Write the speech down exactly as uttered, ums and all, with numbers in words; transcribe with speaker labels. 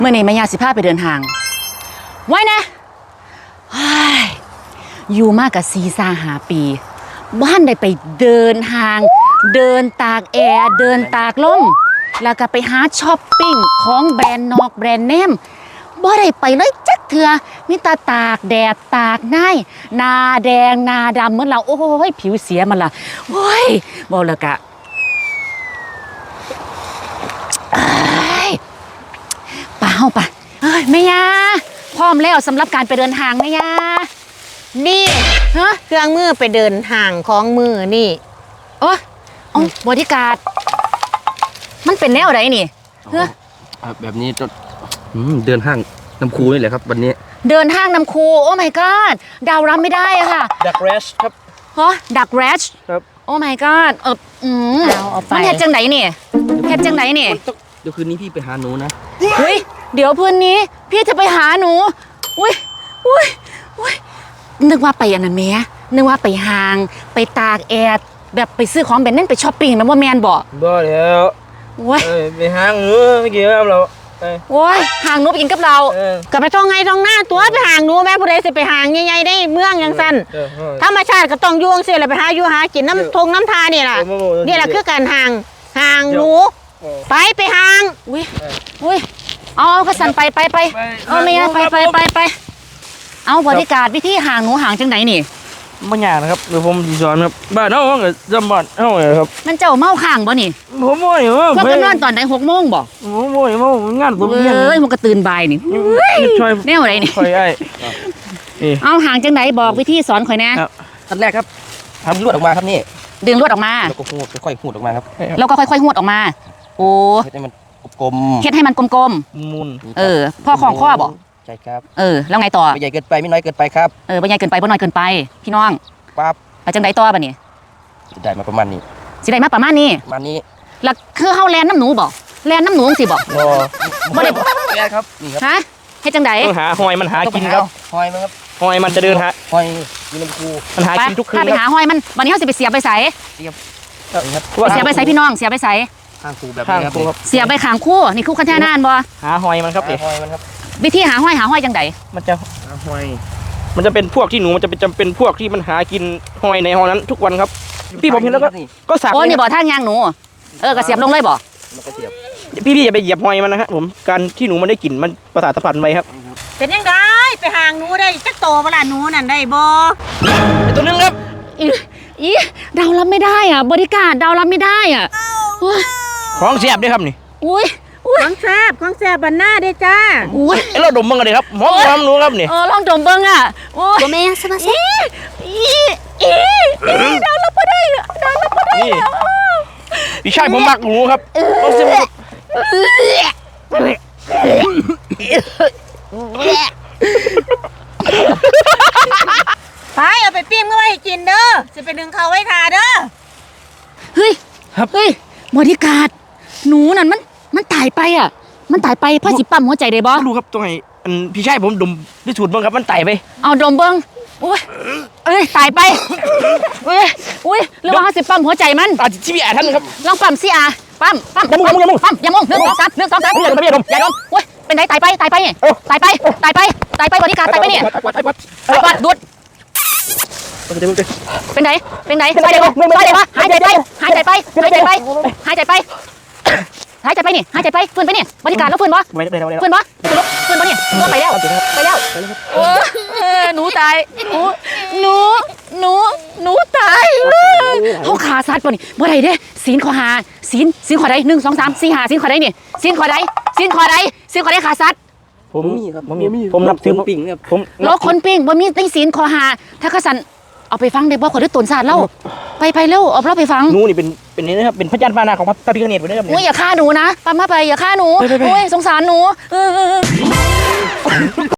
Speaker 1: เมื่อนี้แม่ย่าสิพาไปเดินทางไว้นะอยู่มากกับซีซ่าหาปีบ้านได้ไปเดินทางเดินตากแอร์เดินตากลมแล้วก็ไปหาช้อปปิ้งของแบรนด์นอกแบรนด์เนมบ่ได้ไปเลยจักเถื่อมีตาตากแดดตากหน้าหน้าแดงหน้าดำเหมือนเราโอ้ยผิวเสียมันล่ะโอ้ยบ่แล้วก็ป่าเฮาป่ะเฮ้ยแม่ย่าพร้อมแล้วสำหรับการไปเดินทางแม่ย่า
Speaker 2: นี่
Speaker 1: ฮะ
Speaker 2: เครื่องมือไปเดินห่างของมือนี่
Speaker 1: โอ้อ๋อบอดี้การ์ดมันเป็นแนวอะไรนี่เฮ้ย
Speaker 3: แบบนี้จะเดินห้างน้ำคูนี่แหละครับวันนี้
Speaker 1: เดินห้างน้ำคูโอ้ my god ดาวรับไม่ได้อะค่ะ
Speaker 3: ดักแรชครับ
Speaker 1: ฮะดักแรช
Speaker 3: ครับ
Speaker 1: โอ้ my god เอออืม
Speaker 2: เอาเอาไป
Speaker 1: มันเฮ็ดจังไหนนี่เฮ็ดจังไหนนี่
Speaker 3: เดี๋ยวคืนนี้พี่ไปหาหนูนะ
Speaker 1: เฮ้ยเดี๋ยวพื้นนี้พี่จะไปหาหนูอุ้ยอุ้ยอุ้ยนึกว่าไปอันนั้นแม่นึกว่าไปห้างไปตากแอร์แบบไปซื้อของแบรนด์นั่นไปช้อปปิ้งมันว่าแมนบ่
Speaker 3: บ่แล้ว
Speaker 1: โอ้ย
Speaker 3: ไปห้างหนูไม่เกี่ยวกับเรา
Speaker 1: โอ้ยห่างหนูไปกินกับเรา
Speaker 2: ก็ไปท่องไงท่องหน้าตัวไปห่างหนูแม่ผู้ใดสิไปห่างใหญ่ๆได้เมืองยังสั้นธรรมชาติก็ต้องยุ่งเสียเลยไปหาอยู่หากินน้ำทงน้ำทานี่แหละนี่แหละคือการห่างห่างหนูไปไปห่าง
Speaker 1: อุ้ยอุ้ยเอาเอากระสันไปไปไปเอาเมียไปไปไปไปเอาบริการวิธีห่างหนูห่างจังไหนนี่
Speaker 3: ไม่ยากนะครับเดี๋ยวผมสอนครับบ้านเฮากับจำบ้านเฮาเลยครับ
Speaker 1: มันเจ้าเมาข้างบ่นี่
Speaker 3: ผมโม่ยว่า
Speaker 1: พวกกันนอนตอนไหนหกโมงบ่
Speaker 3: ผมโม่ยว่างานผม
Speaker 1: เอ้ยมันก็ตื่นบ่ายนี่แนวไหนนี่
Speaker 3: ข่อยไอ้
Speaker 1: เอาห่างจังไหนบอกวิธีสอนข่อยแน่
Speaker 3: ขั้นแรกครับทำลวดออกมาครับนี่
Speaker 1: ดึงลวดออกมา
Speaker 3: แล้วก็ค่อยๆหูดออกมาครับ
Speaker 1: แล้วก็ค่อยๆหูดออกมาโอ้
Speaker 3: เฮ็ดให้มันกลม
Speaker 1: เฮ็ดให้มันกลม
Speaker 3: ๆมุน
Speaker 1: เออพ่อของข้อบ่
Speaker 3: ใช่ครับ
Speaker 1: เออแล้วไงต่อ
Speaker 3: ไม่ใหญ่เกินไปไม่น้อยเกินไปครับ
Speaker 1: เออไม่ใหญ่เกินไปไม่น้อยเกินไปพี่น้อง
Speaker 3: ปั๊บ
Speaker 1: ไปจังไดต่อบ่นี่
Speaker 3: ได้มาประมาณนี้
Speaker 1: สิได้มาประมาณนี้
Speaker 3: ประมาณนี้
Speaker 1: แล้วคือเฮาแลนน้ำหนูบ่แลนน้ำหนูสิบ่
Speaker 3: บ่ได้แลนครับนี่ครับ
Speaker 1: ฮะเฮ็ดจังได
Speaker 3: ต้องหาหอยมันหากินครับหอยมันครับหอยมันจะเดินหาหอยมีน้ำคูมันหากินทุกคืน
Speaker 1: ถ้าไปหาหอยมันวันนี้เฮาสิไปเสียบไปใส่
Speaker 3: เสียบ
Speaker 1: เสียบไปใส่พี่น้องเสียบไปใส่
Speaker 3: ข้างคูแบบนี้ครับ
Speaker 1: เสียบไปข้างคู่นี่คู่คันแท่นานบ่
Speaker 3: หาหอยมันครับหอยมันครับ
Speaker 1: วิธีหาหอยหาหอยจังได
Speaker 3: มันจะหาหอยมันจะเป็นพวกที่หนูมันจะเป็นจำเป็นพวกที่มันหากินหอยในหอยนั้นทุกวันครับพี่ผมเห็นแล้วก็ก็สับ
Speaker 1: โอ้นี่บ่ทางยางหนูเออก็เสียบลงเลยบ่
Speaker 3: พี่พี่อย่าไปเหยียบหอยมันนะฮะผมการที่หนูมันได้กลิ่นมันประสาทสัมผัสไปครับ
Speaker 2: เป็นยังไงไปห่างหนูได้จักโตเวลาหนูนั่นได้บ่
Speaker 3: ตัวนึงครับ
Speaker 1: อีดาวรับไม่ได้อ่ะบริการดาวรับไม่ได้อ่ะ
Speaker 3: ของเสียบด้วยครับนี่
Speaker 1: อุ้ย
Speaker 2: ของแซ่บของแซ่บบันหน้าได้จ้า
Speaker 1: อุ้ย
Speaker 3: เราดมบ้างเลยครับหอมหอมหนูครับนี่
Speaker 1: เออลองดมบ้างอ่ะโอ้
Speaker 2: ยแม่สมาชิก
Speaker 1: อีอีดาวรับไม่ได้ดาวรับไม่ได้
Speaker 3: พี่ชายผมมักหนูครับลองเสียบ
Speaker 2: ไปเอาไปปิ้งเมื่อไหร่กินเด้อจะไปดึงเขาไว้ทาเด้อ
Speaker 1: เฮ้ยเฮ้ยบริการหนูนั่นมันมันตายไปอ่ะมันตายไปพ่อสิปั๊มหัวใจได้บ่
Speaker 3: รู้ครับตรงไหนอันพี่ชายผมดมด้วยสูตรบ้างครับมันตายไป
Speaker 1: เอาดมเบิ้งอุ้ยเอ้ยตายไปอุ้ยอุ้ยหรือว่าสิปั๊มหัวใจมัน
Speaker 3: อาจจะชีวิตท่านครับ
Speaker 1: ลองปั๊มสิอ่ะปั๊มปั๊ม
Speaker 3: ยามุงยามุง
Speaker 1: ปั๊มยามุงหนึ่งสองสามหนึ่งสองสามอย่าดมอย่าดมอย่าดมอุ้ยเป็นไงตายไปตายไปตายไปตายไปตายไปบริการตายไปเนี่ยปัดดูดเป็นไงเป็นไงเป็นไงเป็นไงวะหายใจไปหายใจไปหายใจไปหายใจไปหายใจไปนี่หายใจไปฟื้นไปนี่บริการแล้วฟื้นบ่ฟื้นบ่ฟื้นบ่นี่ก็ไปแล้วไปแล้วโอ้หนูตายหนูหนูหนูหนูตายเขาขาซัดบ่นี่บ่ได้เด้ศีลขอหาศีลศีลขอใดหนึ่งสองสามสี่ห้าศีลขอใดนี่ศีลขอใดศีลขอใดศีลขอใดขาซัด
Speaker 3: ผมมีครับผมมีผมนับถือปิ่งครับผม
Speaker 1: โลกคนปิ่งบ่มีตั้งศีลขอหาถ้าขสันเอาไปฟังได้บ่ขอด้วยตนศาสตร์เล่าไปไปเร็วเอาเราไปฟัง
Speaker 3: หนูนี่เป็นเป็นนี่นะครับเป็นพระจันทร์พานาของพระพิฆเนศไปเลยครับ
Speaker 1: โอ้ยอย่าฆ่าหนูนะปั๊มมาไปอย่าฆ่าหนูโอ้ยสงสารหนู